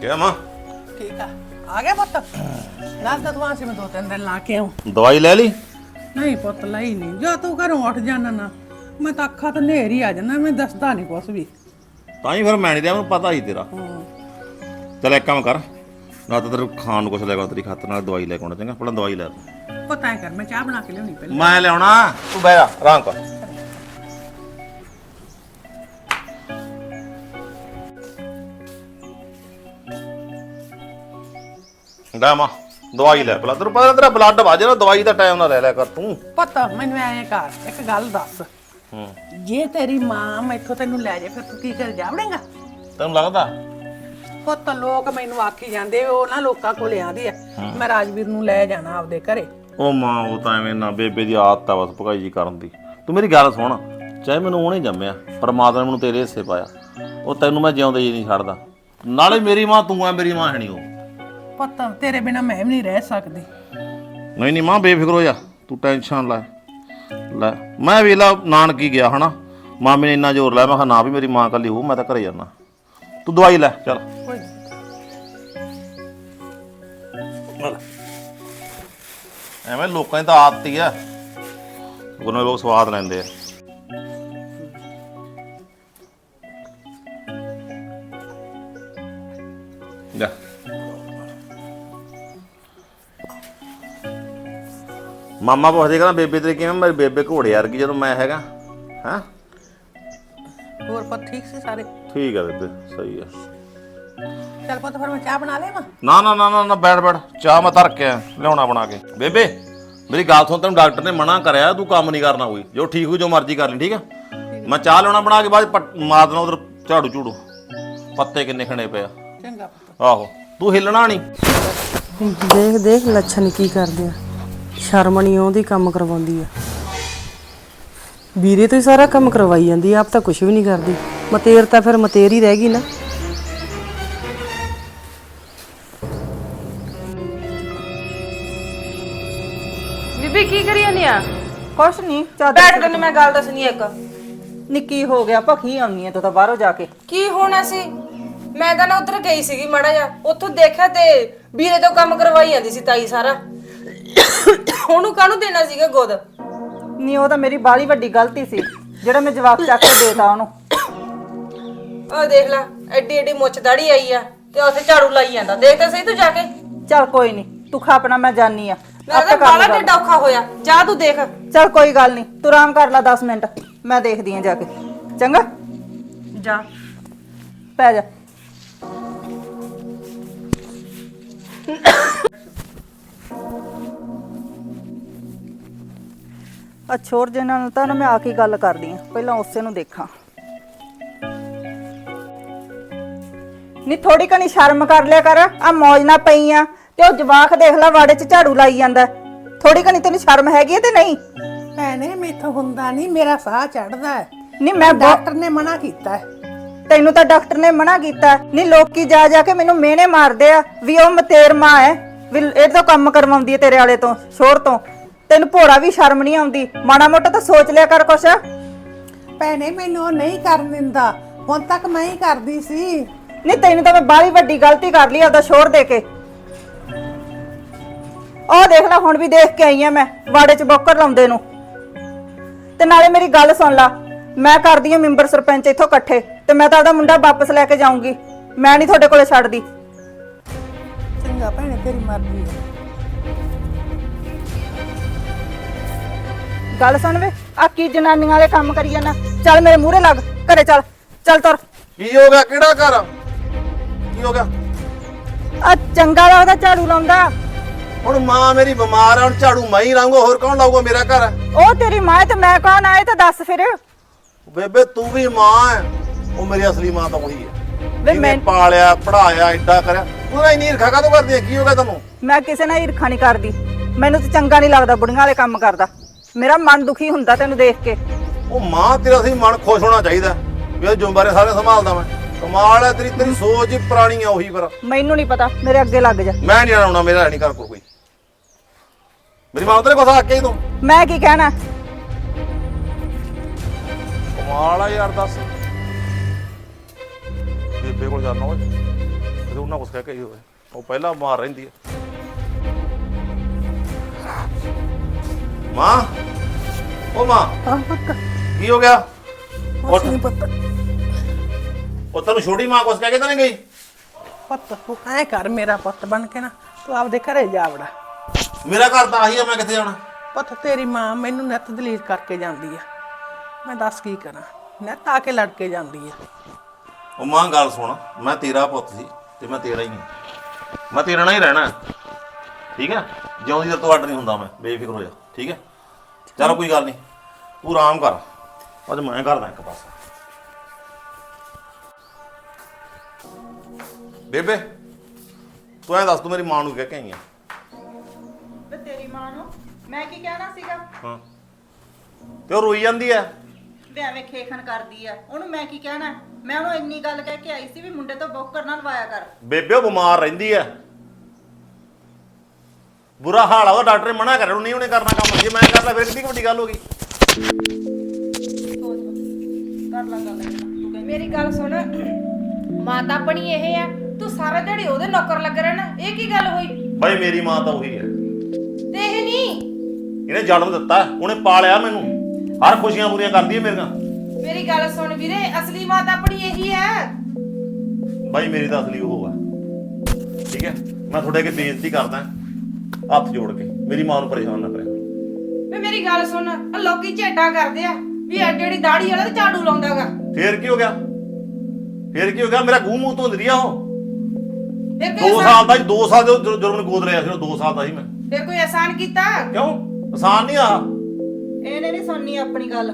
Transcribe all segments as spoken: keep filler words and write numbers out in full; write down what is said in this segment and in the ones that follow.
क्या मां ठीक है आ गया पुत दस दस वहां से मैं दो तीन दिन ला के आऊं दवाई ले ली नहीं पुत लाई नहीं जो तू घरों उठ जाना ना मैं तो अखा तो नेर ही आ जाना मैं दसदा नहीं कुछ भी ਤਾਂ ਹੀ ਫਿਰ ਮੈਂ ਨਹੀਂ ਰਿਹਾ ਮੈਨੂੰ ਪਤਾ ਹੀ ਤੇਰਾ ਚੱਲ ਇੱਕ ਕੰਮ ਕਰ ਨਾ ਤਾਂ ਤੇਰੇ ਖਾਣ ਨੂੰ ਕੁਛ ਲੈ ਕੇ ਤੇਰੀ ਖਾਤਰ ਨਾਲ ਦਵਾਈ ਲੈ ਕੇ ਆਉਣਾ ਚੰਗਾ ਪਹਿਲਾਂ ਦਵਾਈ ਲੈ पता है कर मैं चाह बना के लियानी पहले ਮੈਂ ਲਿਆਉਣਾ ਤੂੰ ਬਹਿ ਜਾ ਆਰਾਮ ਕਰ ਡਾ ਮਾਂ ਦਵਾਈ ਲੈ ਪਹਿਲਾਂ ਤੈਨੂੰ ਪਤਾ ਤੇਰਾ ਬਲੱਡ ਵੱਜ ਰਿਹਾ ਦਵਾਈ ਦਾ ਟਾਈਮ ਨਾਲ ਲੈ ਲਿਆ ਕਰ ਤੂੰ पता मैनू ऐ कर एक गल दस ਹੂੰ जे तेरी मां मैथों तेनू ले जाए फिर तू की कर जावड़ेगा ਤੈਨੂੰ ਲੱਗਦਾ ਪੁੱਤ ਲੋਕ ਮੈਨੂੰ ਆਖੀ ਜਾਂਦੇ ਉਹ ਨਾ ਲੋਕਾਂ ਕੋਲ ਆਂਦੇ ਆ ਮੈਂ ਰਾਜਵੀਰ ਨੂੰ ਲੈ ਜਾਣਾ ਆਪਦੇ ਘਰੇ ਉਹ ਮਾਂ ਉਹ ਤਾਂ ਐਵੇਂ ਨਾ ਬੇਬੇ ਦੀ ਆਦਤ ਆ ਬਸ ਭਗਾਈ ਜੀ ਕਰਨ ਦੀ ਤੂੰ ਮੇਰੀ ਗੱਲ ਸੁਣ ਚਾਹੇ ਮੈਨੂੰ ਉਹਨੇ ਜੰਮਿਆ ਪਰਮਾਤਮਾ ਨੇ ਮੈਨੂੰ ਤੇਰੇ ਹਿੱਸੇ ਪਾਇਆ ਉਹ ਤੈਨੂੰ ਮੈਂ ਜਿਉਂਦੇ ਜੀ ਨਹੀਂ ਛੱਡਦਾ ਨਾਲੇ ਮੇਰੀ ਮਾਂ ਤੂੰ ਆ ਮੇਰੀ ਮਾਂ ਹੈ ਨਹੀਂ ਉਹ ਪੁੱਤ ਤੇਰੇ ਬਿਨਾ ਮੈਂ ਵੀ ਨਹੀਂ ਰਹਿ ਸਕਦੀ ਨਹੀਂ ਨਹੀਂ ਮਾਂ ਬੇਫਿਕਰ ਹੋ ਜਾ ਤੂੰ ਟੈਨਸ਼ਨ ਲੈ ਲੈ ਮੈਂ ਵੇਲਾ ਨਾਨਕੀ ਗਿਆ ਹਨਾ ਮਾਮੇ ਨੇ ਇੰਨਾ ਜ਼ੋਰ ਲਾਇਆ ਮੈਂ ਕਿਹਾ ਨਾ ਵੀ ਮੇਰੀ ਮਾਂ ਕੱਲੀ ਹੋ ਮੈਂ ਤਾਂ ਘਰੇ ਜਾਣਾ ਤੂੰ ਦਵਾਈ ਲੈ ਚੱਲ ਕੋਈ ਐਵੇਂ ਲੋਕਾਂ ਦੀ ਤਾਂ ਆਦਤ ਹੀ ਆ ਉਹਨਾਂ ਲੋਕ ਸਵਾਦ ਲੈਂਦੇ ਆ ਜਾ ਮਾਮਾ ਪੁੱਛਦੇ ਕਹਿੰਦਾ ਬੇਬੇ ਤੇਰੀ ਕਿਵੇਂ ਮੇਰੀ ਬੇਬੇ ਘੋੜੇ ਵਰਗੀ ਜਦੋਂ ਮੈਂ ਹੈਗਾ ਹਾਂ ਹੋਰ ਪੁੱਤ ਠੀਕ ਸੀ ਸਾਰੇ ਠੀਕ ਆ ਬੇਬੇ ਸਹੀ ਆ ਚੱਲ ਪੁੱਤ ਫਿਰ ਮੈਂ ਚਾਹ ਬਣਾ ਲਿਆਵਾਂ ਨਾ ਨਾ ਨਾ ਨਾ ਨਾ ਬੈਠ ਬੈਠ ਚਾਹ ਮੈਂ ਧਰ ਕੇ ਲਿਆਉਣਾ ਬਣਾ ਕੇ ਬੇਬੇ ਮੇਰੀ ਗੱਲ ਸੁਣ ਤੈਨੂੰ ਡਾਕਟਰ ਨੇ ਮਨਾ ਕਰਿਆ ਤੂੰ ਕੰਮ ਨਹੀਂ ਕਰਨਾ ਕੋਈ ਜੋ ਠੀਕ ਹੋ ਜੋ ਮਰਜ਼ੀ ਕਰ ਲਈ ਠੀਕ ਆ ਮੈਂ ਚਾਹ ਲਿਆਉਣਾ ਬਣਾ ਕੇ ਬਾਅਦ ਮਾਰ ਦੇਣਾ ਉਧਰ ਝਾੜੂ ਝੂੜੂ ਪੱਤੇ ਕਿੰਨੇ ਖਣੇ ਪਏ ਆ ਚੰਗਾ ਪੁੱਤ ਆਹੋ ਤੂੰ ਹਿੱਲਣਾ ਨਹੀਂ ਦੇਖ ਦੇਖ ਲੱਛਣ ਕੀ ਕਰਦੇ ਆ ਸ਼ਰਮ ਨਹੀਂ ਆਉਂਦੀ ਕੰਮ ਕਰਵਾਉਂਦੀ ਆ ਵੀਰੇ ਤੋਂ ਹੀ ਸਾਰਾ ਕੰਮ ਕਰਵਾਈ ਜਾਂਦੀ ਆ ਆਪ ਤਾਂ ਕੁਝ ਵੀ ਨਹੀਂ ਕਰਦੀ ਮਤੇਰ ਤਾਂ ਫਿਰ ਮਤੇਰ ਹੀ ਰਹਿ ਗਈ ਨਾ ਬੀਬੀ ਕੀ ਕਰੀ ਜਾਂਦੀ ਆ ਕੁਛ ਨਹੀਂ ਚਾਦਰ ਬੈਠ ਤੈਨੂੰ ਮੈਂ ਗੱਲ ਦੱਸਣੀ ਇੱਕ ਨਿੱਕੀ ਹੋ ਗਿਆ ਭਖੀ ਆਉਣੀ ਐ ਤੂੰ ਤਾਂ ਬਾਹਰੋਂ ਜਾ ਕੇ ਕੀ ਹੋਣਾ ਸੀ ਮੈਂ ਤਾਂ ਨਾ ਉਧਰ ਗਈ ਸੀਗੀ ਮਾੜਾ ਜਿਹਾ ਉੱਥੋਂ ਦੇਖਿਆ ਤੇ ਵੀਰੇ ਤੋਂ ਕੰਮ ਕਰਵਾਈ ਜਾਂਦੀ ਸੀ ਤਾਈ ਸਾਰਾ ਉਹਨੂੰ ਕਾਹਨੂੰ ਦੇਣਾ ਸੀਗਾ ਗੋਦ ਨਹੀਂ ਉਹ ਤਾਂ ਮੇਰੀ ਬਾਲੀ ਵੱਡੀ ਗਲਤੀ ਸੀ ਜਿਹੜਾ ਮੈਂ ਜਵਾਬ ਚੱਕ ਕੇ ਦੇਤਾ ਉਹਨੂੰ ਉਹ ਦੇਖ ਲੈ ਐਡੀ ਐਡੀ ਮੁੱਛ ਦਾੜੀ ਆਈ ਆ ਤੇ ਉੱਥੇ ਝਾੜੂ ਲਾਈ ਜਾਂਦਾ ਦੇਖ ਤਾਂ ਸਹੀ ਤੂੰ ਜਾ ਕੇ ਚੱਲ ਕੋਈ ਨਹੀਂ ਤੂੰ ਖਾ ਆਪਣਾ ਮੈਂ ਜਾਨੀ ਆ ਮੈਂ ਤਾਂ ਬਾਲਾ ਢਿੱਡ ਔਖਾ ਹੋਇਆ ਜਾ ਤੂੰ ਦੇਖ ਚੱਲ ਕੋਈ ਗੱਲ ਨਹੀਂ ਤੂੰ ਆਰਾਮ ਕਰ ਲੈ ਦਸ ਮਿੰਟ ਮੈਂ ਦੇਖਦੀ ਆ ਜਾ ਕੇ ਚੰਗਾ ਜਾ ਪੈ ਜਾ ਆ ਛੋੜ ਜੇ ਨਾਲ ਤਾਂ ਨਾ ਮੈਂ ਆ ਕੇ ਗੱਲ ਕਰਦੀ ਆ ਪਹਿਲਾਂ ਉਸੇ ਨੂੰ ਦੇਖਾਂ ਨੀ ਥੋੜੀ ਕਣੀ ਸ਼ਰਮ ਕਰ ਲਿਆ ਕਰ ਆ ਮੌਜ ਨਾ ਪਈ ਆ ਤੇ ਉਹ ਜਵਾਖ ਦੇਖ ਲੈ ਵਾੜੇ 'ਚ ਝਾੜੂ ਲਾਈ ਜਾਂਦਾ ਥੋੜੀ ਕਣੀ ਤੈਨੂੰ ਸ਼ਰਮ ਹੈਗੀ ਤੇ ਨਹੀਂ ਭੈਣੇ ਮੈਥੋਂ ਹੁੰਦਾ ਨਹੀਂ ਮੇਰਾ ਸਾਹ ਚੜਦਾ ਹੈ ਨਹੀਂ ਮੈਂ ਡਾਕਟਰ ਨੇ ਮਨਾ ਕੀਤਾ ਹੈ ਤੈਨੂੰ ਤਾਂ ਡਾਕਟਰ ਨੇ ਮਨਾ ਕੀਤਾ ਨਹੀਂ ਲੋਕੀ ਜਾ ਜਾ ਕੇ ਮੈਨੂੰ ਮਿਹਣੇ ਮਾਰਦੇ ਆ ਵੀ ਉਹ ਮਤੇਰ ਮਾਂ ਹੈ ਵੀ ਇਹ ਤੋਂ ਕੰਮ ਕਰਵਾਉਂਦੀ ਹੈ ਤੇਰੇ ਵਾਲੇ ਤੋਂ ਸ਼ੋਰ ਤੋਂ ਤੈਨੂੰ ਭੋਰਾ ਵੀ ਸ਼ਰਮ ਨਹੀਂ ਆਉਂਦੀ ਮਾੜਾ ਮੋਟਾ ਤਾਂ ਸੋਚ ਲਿਆ ਕਰ ਕੁਛ ਭੈਣੇ ਮੈਨੂੰ ਉਹ ਨਹੀਂ ਕਰਨ ਦਿੰਦਾ ਹੁਣ ਤੱਕ ਮੈਂ ਹੀ ਕਰਦੀ ਸੀ ਨਹੀਂ ਤੈਨੂੰ ਤਾਂ ਮੈਂ ਬਾਹਲੀ ਵੱਡੀ ਗਲਤੀ ਕਰ ਲਈ ਆਪਦਾ ਸ਼ੋਰ ਦੇ ਕੇ ਉਹ ਦੇਖ ਲੈ ਹੁਣ ਵੀ ਦੇਖ ਕੇ ਆਈ ਆ ਮੈਂ ਵਾੜੇ 'ਚ ਬੋਕਰ ਲਾਉਂਦੇ ਨੂੰ ਤੇ ਨਾਲੇ ਮੇਰੀ ਗੱਲ ਸੁਣ ਲਾ ਮੈਂ ਕਰਦੀ ਆ ਮੈਂਬਰ ਸਰਪੰਚ ਇੱਥੋਂ ਇਕੱਠੇ ਤੇ ਮੈਂ ਤਾਂ ਆਪਦਾ ਮੁੰਡਾ ਵਾਪਸ ਲੈ ਕੇ ਜਾਊਂਗੀ ਮੈਂ ਨਹੀਂ ਤੁਹਾਡੇ ਕੋਲੇ ਛੱਡਦੀ ਚੰਗਾ ਭੈਣੇ ਤੇਰੀ ਮਰਜ਼ੀ ਹੈ ਗੱਲ ਸੁਣ ਵੇ ਆ ਕੀ ਜਨਾਨੀਆਂ ਵਾਲੇ ਕੰਮ ਕਰੀ ਜਾਣਾ ਚੱਲ ਮੇਰੇ ਮੂਹਰੇ ਲੱਗ ਘਰੇ ਚੱਲ ਚੱਲ ਤੁਰ ਕੀ ਹੋ ਗਿਆ ਕਿਹੜਾ ਘਰ ਕੀ ਹੋ ਗਿਆ ਆ ਚੰਗਾ ਲੱਗਦਾ ਝਾੜੂ ਲਾਉਂਦਾ ਹੁਣ ਮਾਂ ਮੇਰੀ ਬਿਮਾਰ ਆ ਹੁਣ ਝਾੜੂ ਮੈਂ ਹੀ ਲਾਉਂਗਾ ਹੋਰ ਕੌਣ ਲਾਊਗਾ ਮੇਰਾ ਘਰ ਉਹ ਤੇਰੀ ਮਾਂ ਤੇ ਮੈਂ ਕੌਣ ਆਏ ਤਾਂ ਦੱਸ ਫਿਰ ਬੇਬੇ ਤੂੰ ਵੀ ਮਾਂ ਹੈ ਉਹ ਮੇਰੀ ਅਸਲੀ ਮਾਂ ਤਾਂ ਉਹੀ ਹੈ ਵੇ ਮੈਂ ਪਾਲਿਆ ਪੜਾਇਆ ਏਡਾ ਕਰਿਆ ਤੂੰ ਇੰਨੀ ਈਰਖਾ ਕਾਹਤੋਂ ਕਰਦੀ ਕੀ ਹੋ ਗਿਆ ਤੈਨੂੰ ਮੈਂ ਕਿਸੇ ਨਾਲ ਈਰਖਾ ਨਹੀਂ ਕਰਦੀ ਮੈਨੂੰ ਤਾਂ ਚੰਗਾ ਨਹੀਂ ਲੱਗਦਾ ਬੁੜੀਆਂ ਵਾਲੇ ਕੰਮ ਕਰਦਾ ਮੇਰਾ ਮਨ ਦੁਖੀ ਹੁੰਦਾ ਤੈਨੂੰ ਦੇਖ ਕੇ ਉਹ ਮਾਂ ਤੇਰਾ ਸੀ ਮਨ ਖੁਸ਼ ਹੋਣਾ ਚਾਹੀਦਾ ਵੀ ਇਹ ਜ਼ਿੰਮੇਵਾਰੀ ਸਾਰੇ ਸੰਭਾਲਦਾ ਮੈਂ ਕਮਾਲ ਹੈ ਤੇਰੀ ਤੇਰੀ ਸੋਚ ਹੀ ਪੁਰਾਣੀ ਆ ਉਹੀ ਪਰ ਮੈਨੂੰ ਨਹੀਂ ਪਤਾ ਮੇਰੇ ਅੱਗੇ ਲੱਗ ਜਾ ਮੈਂ ਨਹੀਂ ਆਉਣਾ ਮੇਰਾ ਨਹੀਂ ਕਰ ਕੋਈ ਮੇਰੀ ਮਾਂ ਤੇਰੇ ਕੋਲ ਆ ਕੇ ਤੂੰ ਮੈਂ ਕੀ ਕਹਿਣਾ ਕਮਾਲ ਆ ਯਾਰ ਦੱਸ ਬੇਬੇ ਕੋਲ ਜਾਣਾ ਓਏ ਫਿਰ ਉਹਨਾਂ ਕੁਛ ਕਹਿ ਕੇ ਹੀ ਹੋਵੇ ਉਹ ਪਹਿਲਾਂ ਬਿਮਾਰ ਰਹਿੰਦੀ ਹੈ। ਮਾਂ ਉਹ ਮਾਂ ਹਾਂ ਪੁੱਤ ਕੀ ਹੋ ਗਿਆ? ਕੁਛ ਨਹੀਂ ਪੁੱਤ ਉਹ ਤੈਨੂੰ ਛੋਟੀ ਮਾਂ ਕੁਛ ਕਹਿ ਕੇ ਤਾਂ ਨਹੀਂ ਗਈ? ਪੁੱਤ ਤੂੰ ਐ ਕਰ ਮੇਰਾ ਪੁੱਤ ਬਣ ਕੇ ਨਾ ਤੂੰ ਆਪਦੇ ਘਰੇ ਜਾ ਵੜਾ। ਮੇਰਾ ਘਰ ਤਾਂ ਆਹੀ ਆ, ਮੈਂ ਕਿੱਥੇ ਜਾਣਾ? ਪੁੱਤ ਤੇਰੀ ਮਾਂ ਮੈਨੂੰ ਨਿੱਤ ਦਲੀਲ ਕਰਕੇ ਜਾਂਦੀ ਆ, ਮੈਂ ਦੱਸ ਕੀ ਕਰਾਂ, ਨਿੱਤ ਆ ਕੇ ਲੜ ਕੇ ਜਾਂਦੀ ਆ। ਉਹ ਮਾਂ ਗੱਲ ਸੁਣ, ਮੈਂ ਤੇਰਾ ਪੁੱਤ ਸੀ ਤੇ ਮੈਂ ਤੇਰਾ ਹੀ ਹਾਂ, ਮੈਂ ਤੇਰੇ ਨਾਲ ਹੀ ਰਹਿਣਾ ਠੀਕ ਹੈ। ਜਿਉਂਦੀ ਤਾਂ ਤੁਹਾਡਾ ਨਹੀਂ ਹੁੰਦਾ, ਮੈਂ ਬੇਫਿਕਰ ਹੋ ਜਾ ਠੀਕ ਹੈ। ਚਲ ਕੋਈ ਗੱਲ ਨਹੀਂ, ਤੂੰ ਆਰਾਮ ਕਰ, ਅੱਜ ਮੈਂ ਕਰਦਾ ਇੱਕ ਪਾਸਾ। ਬੇਬੇ ਤੂੰ ਐਂ ਦੱਸ, ਤੂੰ ਮੇਰੀ ਮਾਂ ਨੂੰ ਕਹਿ ਕੇ ਆਈ ਆ? ਤੇ ਤੇਰੀ ਮਾਂ ਨੂੰ ਮੈਂ ਕੀ ਕਹਿਣਾ ਸੀਗਾ? ਹਾਂ ਤੇ ਉਹ ਰੋਈ ਜਾਂਦੀ ਐ ਵੀ ਐਵੇਂ ਖੇਖਣ ਕਰਦੀ ਆ, ਉਹਨੂੰ ਮੈਂ ਕੀ ਕਹਿਣਾ? ਮੈਂ ਉਹਨੂੰ ਇੰਨੀ ਗੱਲ ਕਹਿ ਕੇ ਆਈ ਸੀ ਵੀ ਮੁੰਡੇ ਤੋਂ ਬੌਕਰ ਨਾ ਲਵਾਇਆ ਕਰ। ਬੇਬੇ ਉਹ ਬਿਮਾਰ ਰਹਿੰਦੀ ਐ, ਬੁਰਾ ਹਾਲ ਆ ਉਹਦਾ, ਡਾਕਟਰ ਨੇ ਮਨਾ ਕਰਿਆ ਨਹੀਂ ਉਹਨੇ ਕਰਨਾ ਕੰਮ। ਜੇ ਮੈਂ ਕਰ ਲਾ ਫਿਰ ਕਿੰਨੀ ਕੁ ਵੱਡੀ ਗੱਲ ਹੋ ਗਈ। ਕਰ ਲਾ ਗੱਲ ਤੂੰ ਕਹਿ। ਮੇਰੀ ਗੱਲ ਸੁਣ, ਮਾਤਾ ਆਪਣੀ ਇਹ ਆ, ਤੂੰ ਸਾਰਾ ਦਿਹਾੜੀ ਉਹਦੇ ਨੌਕਰ ਲੱਗ ਰਹਿਣਾ, ਇਹ ਕੀ ਗੱਲ ਹੋਈ? ਬਾਈ ਮੇਰੀ ਮਾਂ ਤਾਂ ਉਹੀ ਐ, ਤੇ ਇਹ ਨਹੀਂ, ਇਹਨੇ ਜਨਮ ਦਿੱਤਾ, ਉਹਨੇ ਪਾਲਿਆ ਮੈਨੂੰ, ਹਰ ਖੁਸ਼ੀਆਂ ਪੂਰੀਆਂ ਕਰਦੀ ਐ ਮੇਰੀਆਂ। ਮੇਰੀ ਗੱਲ ਸੁਣ ਵੀਰੇ, ਅਸਲੀ ਮਾਤਾ ਆਪਣੀ ਇਹੀ ਹੈ। ਬਾਈ ਮੇਰੀ ਤਾਂ ਅਸਲੀ ਉਹ ਆ ਠੀਕ ਹੈ। ਮੈਂ ਤੁਹਾਡੇ ਅੱਗੇ ਬੇਨਤੀ ਕਰਦਾ ਹੱਥ ਜੋੜ ਕੇ, ਮੇਰੀ ਮਾਂ ਨੂੰ ਪਰੇਸ਼ਾਨ ਨਾ ਕਰਿਆ। ਵੇ ਮੇਰੀ ਗੱਲ ਸੁਣ, ਆ ਲੋਕੀ ਝੇਡਾਂ ਕਰਦੇ ਆ ਵੀ ਐ ਜਿਹੜੀ ਦਾੜੀ ਵਾਲਾ ਤੇ ਝਾੜੂ ਲਾਉਂਦਾਗਾ। ਫੇਰ ਕੀ ਹੋ ਗਿਆ? ਫੇਰ ਕੀ ਹੋ ਗਿਆ? ਮੇਰਾ ਗੂੰ ਮੂੰਹ ਧੋਂਦੀ ਰਹੀ ਆ ਉਹ। ਫਿਰ ਦੋ ਕੋਈ ਸਾਲ ਦਾ ਜੀ, ਦੋ ਸਾਲ ਦੇ ਜਦੋਂ ਮੈਨੂੰ ਗੋਦ ਰਿਹਾ ਸੀ ਉਹ ਦੋ ਸਾਲ ਦਾ ਸੀ ਮੈਂ। ਫਿਰ ਕੋਈ ਆਸਾਨ ਕੀਤਾ? ਕਿਉਂ ਆਸਾਨ ਨਹੀਂ ਆ? ਇਹਨੇ ਨਹੀਂ ਸੁਣਨੀ ਆਪਣੀ ਗੱਲ,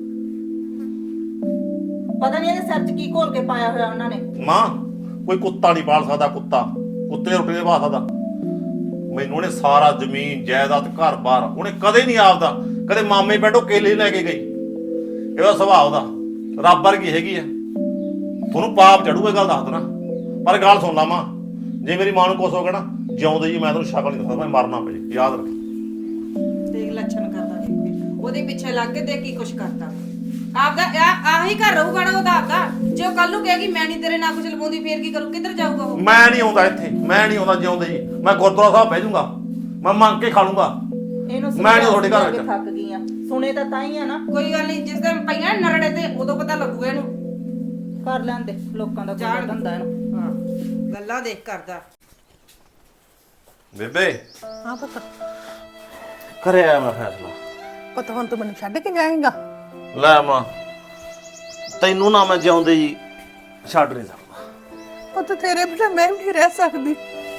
ਪਤਾ ਨਹੀਂ ਇਹਦੇ ਸਿਰ 'ਚ ਕੀ ਘੋਲ ਕੇ ਪਾਇਆ ਹੋਇਆ ਉਹਨਾਂ ਨੇ। ਮਾਂ ਕੋਈ ਕੁੱਤਾ ਨਹੀਂ ਪਾਲ ਸਕਦਾ, ਕੁੱਤਾ ਕੁੱਤੇ ਦੀ ਰੋਟੀ ਨਹੀਂ ਪਾ ਸਕਦਾ। ਮੈਨੂੰ ਉਹਨੇ ਸਾਰਾ ਜ਼ਮੀਨ ਜਾਇਦਾਦ ਘਰ-ਬਾਰ, ਉਹਨੇ ਕਦੇ ਨਹੀਂ ਆਪਦਾ, ਕਦੇ ਮਾਮੇ ਬੈਠੋ ਕੇਲੇ ਲੈ ਕੇ ਗਈ। ਇਹਦਾ ਸੁਭਾਅ ਉਹਦਾ ਰੱਬ ਵਰਗੀ ਹੈਗੀ ਆ। ਤੁਹਾਨੂੰ ਪਾਪ ਚੜੂਗਾ ਗੱਲ ਦੱਸ ਦੇਣਾ, ਪਰ ਗੱਲ ਸੁਣ ਲਾ ਮਾਂ, ਜੇ ਮੇਰੀ ਮਾਂ ਨੂੰ ਕੁਛ ਹੋ ਗਿਆ ਨਾ, ਜਿਉਂਦੇ ਜੀ ਮੈਂ ਤੈਨੂੰ ਸ਼ਕਲ ਨਹੀਂ ਦੱਸਦਾ, ਮੈਂ ਮਰਨਾ ਪਏ, ਯਾਦ ਰੱਖ। ਦੇਖ ਲੱਛਣ ਕਰਦਾ, ਦੇਖ ਉਹਦੇ ਪਿੱਛੇ ਲੱਗ ਕੇ ਦੇਖ ਕੀ ਕੁਛ ਕਰਦਾ। ਆਪਦਾ ਆ- ਆਹੀ ਘਰ ਰਹੂਗਾ ਨਾ ਉਹਦਾ ਆਪਦਾ। ਜੇ ਉਹ ਕੱਲ ਨੂੰ ਕਹੇਗੀ ਮੈਂ ਨਹੀਂ ਤੇਰੇ ਨਾਲ ਕੁਝ ਲਵਾਉਂਦੀ, ਫੇਰ ਕੀ ਕਰੂ? ਕਿੱਧਰ ਜਾਊਗਾ ਉਹ? ਮੈਂ ਨਹੀਂ ਆਉਂਦਾ ਇੱਥੇ, ਮੈਂ ਨਹੀਂ ਆਉਂਦਾ ਜਿਉਂਦੇ ਜੀ, ਮੈਂ ਗੁਰਦੁਆਰਾ ਸਾਹਿਬ ਬਹਿ ਜਾਊਂਗਾ, ਮੈਂ ਮੰਗ ਕੇ ਖਾ ਲੂੰਗਾ। ਇਹਨੂੰ ਮੈਂ ਨਹੀਂ ਤੁਹਾਡੇ ਘਰ ਕੇ ਵਿੱਚ। ਥੱਕ ਗਈ ਆ, ਸੁਣੇ ਤਾਂ ਤਾਂ ਹੀ ਆ ਨਾ। ਕੋਈ ਗੱਲ ਨਹੀਂ, ਜਿਸ ਦਿਨ ਪਈਆਂ ਨਰੜੇ ਤੇ ਉਦੋਂ ਪਤਾ ਲੱਗੂਗਾ ਇਹਨੂੰ। ਕਰ ਲੈਂਦੇ ਲੋਕਾਂ ਦਾ ਜਾਣ ਕੋਈ ਧੰਦਾ ਇਹਨੂੰ। ਹਾਂ, ਗੱਲਾਂ ਦੇਖ ਕਰਦਾ। ਬੇਬੇ ਹਾਂ ਪੁੱਤ, ਕਰੇ ਆਇਆ ਮੈਂ ਫੈਸਲਾ। ਪੁੱਤ ਹੁਣ ਤੂੰ ਮੈਨੂੰ ਛੱਡ ਕੇ ਜਾਏਂਗਾ? ਲੈ ਮਾਂ ਤੈਨੂੰ ਨਾ ਮੈਂ ਜਿਉਂਦੇ ਜੀ ਛੱਡ ਨਹੀਂ ਸਕਦਾ। ਪੁੱਤ ਤੇਰੇ ਬਿਨਾਂ ਮੈਂ ਵੀ ਨਹੀਂ ਰਹਿ ਸਕਦੀ।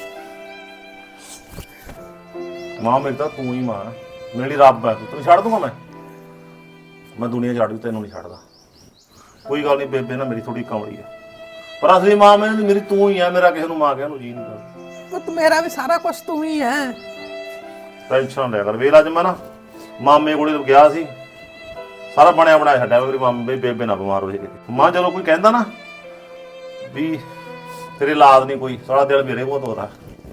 ਮਾਂ ਮੇਰੀ ਤਾਂ ਤੂੰ ਹੀ ਮਾਂ, ਮੇਰੀ ਰੱਬ ਹੈ, ਤੂੰ ਤੈਨੂੰ ਛੱਡ ਦੂੰਗਾ ਮੈਂ? ਮੈਂ ਦੁਨੀਆ ਛੱਡ ਦੂੰ, ਤੈਨੂੰ ਨਹੀਂ ਛੱਡਦਾ। ਕੋਈ ਗੱਲ ਨਹੀਂ ਬੇਬੇ ਨਾ ਮੇਰੀ ਥੋੜੀ ਕਮਲੀ ਹੈ, ਪਰ ਅਸਲੀ ਮਾਂ ਮੈਨੂੰ ਮੇਰੀ ਤੂੰ ਹੀ ਹੈ। ਮੇਰਾ ਕਿਸੇ ਨੂੰ ਮਾਂ ਕਹਿਣ ਨੂੰ ਜੀ ਨਹੀਂ ਕਰਦਾ। ਪੁੱਤ ਮੇਰਾ ਵੀ ਸਾਰਾ ਕੁਝ ਤੂੰ ਹੀ ਹੈ। ਟੈਨਸ਼ਨ ਲੈ ਕਰ। ਵੇਲਾ ਅੱਜ ਮੈਂ ਨਾ ਮਾਮੇ ਕੋਲੇ ਗਿਆ ਸੀ, ਸਾਰਾ ਬਣਿਆ ਬਣਾਇਆ ਛੱਡਿਆ ਮੇਰੀ ਮਾਮੇ ਬੇਬੇ ਨਾ ਬਿਮਾਰ ਹੋ ਜੇ ਕਿਤੇ। ਮਾਂ ਜਦੋਂ ਕੋਈ ਕਹਿੰਦਾ ਨਾ ਵੀ ਤੇਰੇ ਲਾਦ ਨਹੀਂ ਕੋਈ, ਸਾਰਾ ਦਿਲ ਮੇਰੇ ਬਹੁਤ ਹੋਦਾ।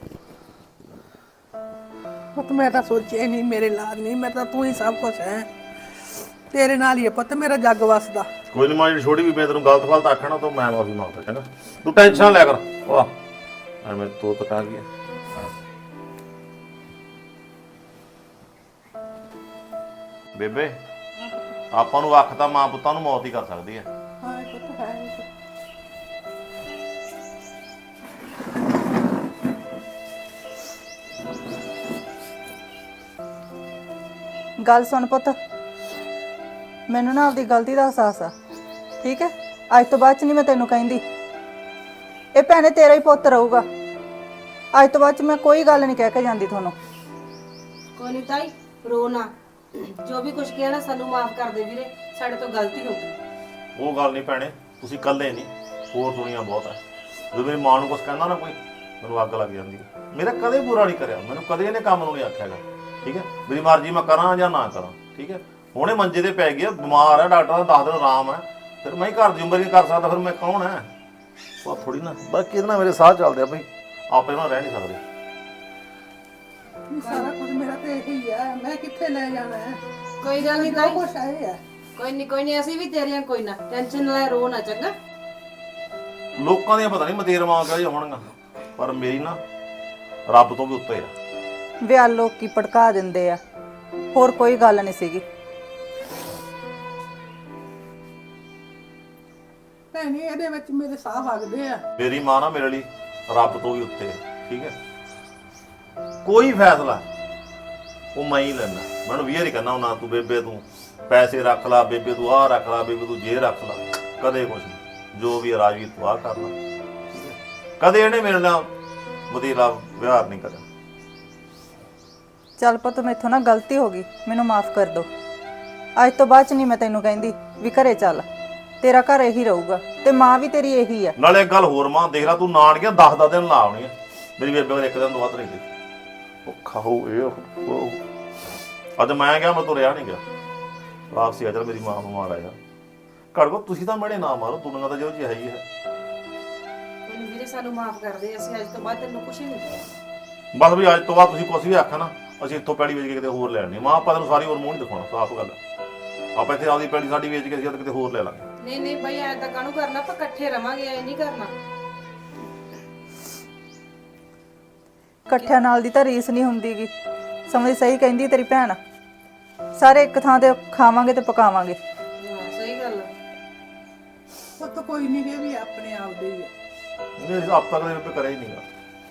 ਪੁੱਤ ਮੈਂ ਤਾਂ ਸੋਚਿਆ ਨਹੀਂ ਮੇਰੇ ਲਾਦ ਨਹੀਂ, ਮੈਂ ਤਾਂ ਤੂੰ ਹੀ ਸਭ ਕੁਝ ਹੈ, ਤੇਰੇ ਨਾਲ ਹੀ ਹੈ ਪੁੱਤ ਮੇਰਾ ਜੱਗ ਵਸਦਾ। ਕੋਈ ਨਹੀਂ ਮਾਂ, ਜਿਹੜੀ ਛੋਟੀ ਵੀ ਮੈਂ ਤੈਨੂੰ ਗਲਤ ਫਲਤ ਆਖਣਾ ਤਾਂ ਮੈਂ ਮਾਫੀ ਮੰਗਦਾ, ਚੰਗਾ? ਤੂੰ ਟੈਨਸ਼ਨ ਲੈ ਕਰ। ਵਾਹ ਐਵੇਂ ਤੋ ਤੱਕ ਆ ਗਿਆ। ਬੇਬੇ ਆਪਾਂ ਨੂੰ ਅੱਖ ਤਾਂ ਮਾਂ ਪੁੱਤਾਂ ਨੂੰ ਮੌਤ ਹੀ ਕਰ ਸਕਦੀ ਹੈ। ਹਾਂ ਪੁੱਤ ਹੈ। ਗੱਲ ਸੁਣ ਪੁੱਤ, ਮੈਨੂੰ ਨਾ ਆਪਦੀ ਗਲਤੀ ਦਾ ਅਹਿਸਾਸ ਆ, ਠੀਕ ਹੈ? ਅੱਜ ਤੋਂ ਬਾਅਦ ਚ ਨਹੀਂ ਮੈਂ ਤੈਨੂੰ ਕਹਿੰਦੀ, ਇਹ ਭੈਣੇ ਤੇਰਾ ਹੀ ਪੁੱਤ ਰਹੂਗਾ। ਅੱਜ ਤੋਂ ਬਾਅਦ ਚ ਮੈਂ ਕੋਈ ਗੱਲ ਨਹੀਂ ਕਹਿ ਕੇ ਜਾਂਦੀ ਤੁਹਾਨੂੰ। ਕੋਈ ਨਹੀਂ ਤਾਈ, ਰੋ ਨਾ, ਜੋ ਵੀ ਕੁਝ ਕਿਹਾ ਨਾ ਸਾਨੂੰ ਮਾਫ ਕਰ ਦੇ ਵੀਰੇ, ਸਾਡੇ ਤੋਂ ਗਲਤੀ ਹੋ ਗਈ। ਉਹ ਗੱਲ ਨਹੀਂ ਭੈਣੇ, ਤੁਸੀਂ ਇਕੱਲੇ ਨਹੀਂ, ਹੋਰ ਦੁਨੀਆ ਬਹੁਤ ਹੈ। ਜਦੋਂ ਮੇਰੀ ਮਾਂ ਨੂੰ ਕੁਝ ਕਹਿੰਦਾ ਨਾ ਕੋਈ, ਮੈਨੂੰ ਅੱਗ ਲੱਗ ਜਾਂਦੀ ਹੈ। ਮੇਰਾ ਕਦੇ ਬੁਰਾ ਨਹੀਂ ਕਰਿਆ, ਮੈਨੂੰ ਕਦੇ ਇਹਨੇ ਕੰਮ ਨੂੰ ਨਹੀਂ ਆਖਿਆਗਾ, ਠੀਕ ਹੈ? ਮੇਰੀ ਮਰਜ਼ੀ ਮੈਂ ਕਰਾਂ ਜਾਂ ਨਾ ਕਰਾਂ, ਠੀਕ ਹੈ? ਹੁਣੇ ਮੰਜੇ ਤੇ ਪੈ ਗਿਆ, ਬਿਮਾਰ ਹੈ, ਡਾਕਟਰ ਦਾ ਦਸ ਦਿਨ ਆਰਾਮ ਹੈ, ਫਿਰ ਮੈਂ ਹੀ ਘਰ ਦੀ ਉਮਰ ਨਹੀਂ ਕਰ ਸਕਦਾ, ਫਿਰ ਮੈਂ ਕੌਣ ਹੈ? ਉਹ ਥੋੜੀ ਨਾ, ਬਾਕੀ ਇਹਦੇ ਨਾਲ ਮੇਰੇ ਸਾਹ ਚੱਲਦੇ ਆ ਬਈ, ਆਪੇ ਨਾਲ ਰਹਿ ਨਹੀਂ ਸਕਦੇ। ਸਾਰਾ ਕੁਝ ਮੇਰਾ ਤੇ ਇਹੀ ਹੈ, ਮੈਂ ਕਿੱਥੇ ਲੈ ਜਾਣਾ ਹੈ? ਕੋਈ ਗੱਲ ਨਹੀਂ ਜੋ ਤਾਈ, ਕੁਛ ਹੈ ਇਹ ਹੈ। ਕੋਈ ਨਹੀਂ ਕੋਈ ਨਹੀਂ, ਅਸੀਂ ਵੀ ਤੇਰੀਆਂ, ਕੋਈ ਨਾ ਟੈਨਸ਼ਨ ਨਾ ਲੈ, ਰੋ ਨਾ, ਚੰਗਾ? ਲੋਕਾਂ ਦੀਆਂ ਪਤਾ ਨਹੀਂ ਮਤੇਰ ਮਾਂ ਕਿਹੋ ਜਿਹੀਆਂ ਹੋਣਗੀਆਂ, ਪਰ ਮੇਰੀ ਨਾ ਰੱਬ ਤੋਂ ਵੀ ਉੱਤੇ ਆ। ਵਿਆਹ ਲੋਕੀ ਭੜਕਾ ਦਿੰਦੇ ਆ, ਹੋਰ ਕੋਈ ਗੱਲ ਨਹੀਂ ਸੀਗੀ। ਭੈਣੇ ਇਹਦੇ ਵਿੱਚ ਮੇਰੇ ਸਾਹ ਵਗਦੇ ਆ। ਮੇਰੀ ਮਾਂ ਨਾ ਮੇਰੇ ਲਈ ਰੱਬ ਤੋਂ ਵੀ ਉੱਤੇ ਹੈ, ਠੀਕ ਹੈ। ਕੋਈ ਫੈਸਲਾ ਉਹ ਮੈਂ ਹੀ ਲੈਣਾ। ਮੈਨੂੰ ਵੀਰ ਹੀ ਕਹਿੰਦਾ ਹੁੰਦਾ ਤੂੰ ਬੇਬੇ ਤੂੰ ਪੈਸੇ ਰੱਖ ਲਾ, ਬੇਬੇ ਤੂੰ ਆਹ ਰੱਖ ਲਾ, ਬੇਬੇ ਤੂੰ ਜੇ ਰੱਖ ਲਾ, ਕਦੇ ਕੁਛ ਨਹੀਂ। ਜੋ ਵੀ ਰਾਜਵੀਰ ਤੂੰ ਆਹ ਕਰ ਲਾ, ਠੀਕ ਹੈ। ਕਦੇ ਇਹਨੇ ਮੇਰੇ ਨਾਲ ਵਤੀਰਾ ਵਿਹਾਰ ਨਹੀਂ ਕਰਿਆ। ਚੱਲ ਪੁੱਤ ਮੈਥੋਂ ਨਾ ਗਲਤੀ ਹੋ ਗਈ, ਮੈਨੂੰ ਮਾਫ ਕਰ ਦੋ। ਅੱਜ ਤੋਂ ਬਾਅਦ ਚ ਨਹੀਂ ਮੈਂ ਤੈਨੂੰ ਕਹਿੰਦੀ ਵੀ ਘਰੇ ਚੱਲ, ਤੇਰਾ ਘਰ ਇਹੀ ਰਹੂਗਾ ਤੇ ਮਾਂ ਵੀ ਤੇਰੀ ਇਹੀ ਆ। ਨਾਲੇ ਇੱਕ ਗੱਲ ਹੋਰ ਮਾਂ, ਦੇਖ ਲੈ ਤੂੰ ਨਾਨਕੀਆਂ ਦਸ ਦਸ ਦਿਨ ਲਾ ਆਉਣੀ ਆ, ਮੇਰੀ ਬੇਬੇ ਕੋਲ ਇੱਕ ਦਿਨ ਤੋਂ ਵੱਧ ਨਹੀਂ ਗਈ। ਉਹ ਖਾਓ ਇਹ ਉਹ ਅੱਜ ਮੈਂ ਗਿਆ, ਮੈਂ ਤੁਰਿਆ ਨਹੀਂ ਗਿਆ। ਵਾਪਸੀ ਆ ਚੱਲ ਮੇਰੀ ਮਾਂ ਨੂੰ ਮਾਰ ਆਇਆ। ਘੜ ਕੋ ਤੁਸੀਂ ਤਾਂ ਮੇਰੇ ਨਾ ਮਾਰੋ, ਦੁਨੀਆ ਤਾਂ ਜੋ ਜੀ ਹੈ ਹੀ ਹੈ। ਮੈਨੂੰ ਵੀਰੇ ਸਾਨੂੰ ਮਾਫ ਕਰ ਦੇ, ਅਸੀਂ ਅੱਜ ਤੋਂ ਬਾਅਦ ਤੈਨੂੰ ਕੁਝ ਨਹੀਂ ਕਹਾਂਗੇ। ਬਸ ਵੀ ਅੱਜ ਤੋਂ ਬਾਅਦ ਤੁਸੀਂ ਕੁਛ ਵੀ ਆਖਿਆ ਨਾ, ਅਸੀਂ ਇੱਥੋਂ ਪੈੜੀ ਵੇਚ ਕੇ ਕਿਤੇ ਹੋਰ ਲੈ ਲੈਣੀ। ਮਾਂ ਆਪਾਂ ਤੈਨੂੰ ਸਾਰੀ ਹੋਰ ਮੂੰਹ ਨਹੀਂ ਦਿਖਾਉਣਾ, ਸਾਫ਼ ਗੱਲ। ਆਪਾਂ ਇੱਥੇ ਆਪਦੀ ਪੈੜੀ ਸਾਡੀ ਵੇਚ ਕੇ ਅਸੀਂ ਕਿਤੇ ਹੋਰ ਲੈ ਲਾਂਗੇ। ਨਹੀਂ ਨਹੀਂ ਬਾਈ, ਐ ਤਾਂ ਕਾਹਨੂੰ ਕਰਨਾ, ਆਪਾਂ ਇਕੱਠੇ ਰਵਾਂਗੇ, ਐ ਨਹੀਂ ਕਰਨਾ। ਇਕੱਠਿਆਂ ਨਾਲ ਦੀ ਤਾਂ ਰੀਸ ਨਹੀਂ ਹੁੰਦੀਗੀ, ਸਮਝ ਸਹੀ ਕਹਿੰਦੀ ਤੇਰੀ ਭੈਣ। ਸਾਰੇ ਇੱਕ ਥਾਂ ਤੇ ਖਾਵਾਂਗੇ ਤੇ ਪਕਾਵਾਂਗੇ। ਹਾਂ ਸਹੀ ਗੱਲ ਆ। ਉਹ ਤਾਂ ਕੋਈ ਨਹੀਂ ਗੇ ਵੀ ਆਪਣੇ ਆਪ ਦੇ ਹੀ ਆ। ਇਹ ਆਪ ਤੱਕ ਦੇ ਕਰਿਆ ਹੀ ਨਹੀਂਗਾ।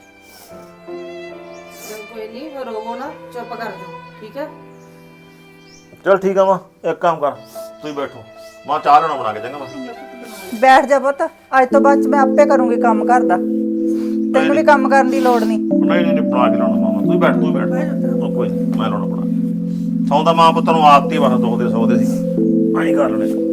ਚਲ ਕੋਈ ਨਹੀਂ, ਰੋਵੋ ਨਾ, ਚੁੱਪ ਕਰ ਜਾਓ, ਠੀਕ ਹੈ। ਚਲ ਠੀਕ ਆ ਮਾਂ, ਇੱਕ ਕੰਮ ਕਰ, ਤੁਸੀਂ ਬੈਠੋ, ਮਾਂ ਚਾਹ ਲੈਣਾ ਬਣਾ ਕੇ ਚੰਗਾ। ਮਾਂ ਬੈਠ ਜਾ ਪੁੱਤ, ਅੱਜ ਤੋਂ ਬਾਅਦ ਚ ਮੈਂ ਆਪੇ ਕਰੂੰਗੀ ਕੰਮ ਘਰ ਦਾ, ਤੈਨੂੰ ਵੀ ਕੰਮ ਕਰਨ ਦੀ ਲੋੜ ਨਹੀਂ। ਨਹੀਂ ਨਹੀਂ ਬਣਾ ਕੇ ਲਾਉਣਾ ਮਾਂ, ਤੂੰ ਬੈਠ ਤੂੰ ਬੈਠ, ਉਹ ਕੋਈ ਨਹੀਂ ਮੈਂ ਲਾਉਣਾ ਬਣਾ। ਸੌਂਦਾ ਮਾਂ ਪੁੱਤ ਨੂੰ ਆਦਤ ਹੀ ਬਸ ਦੁਖਦੇ ਸੌਦੇ ਸੀ, ਐਂ ਕਰ ਲੈਣੇ।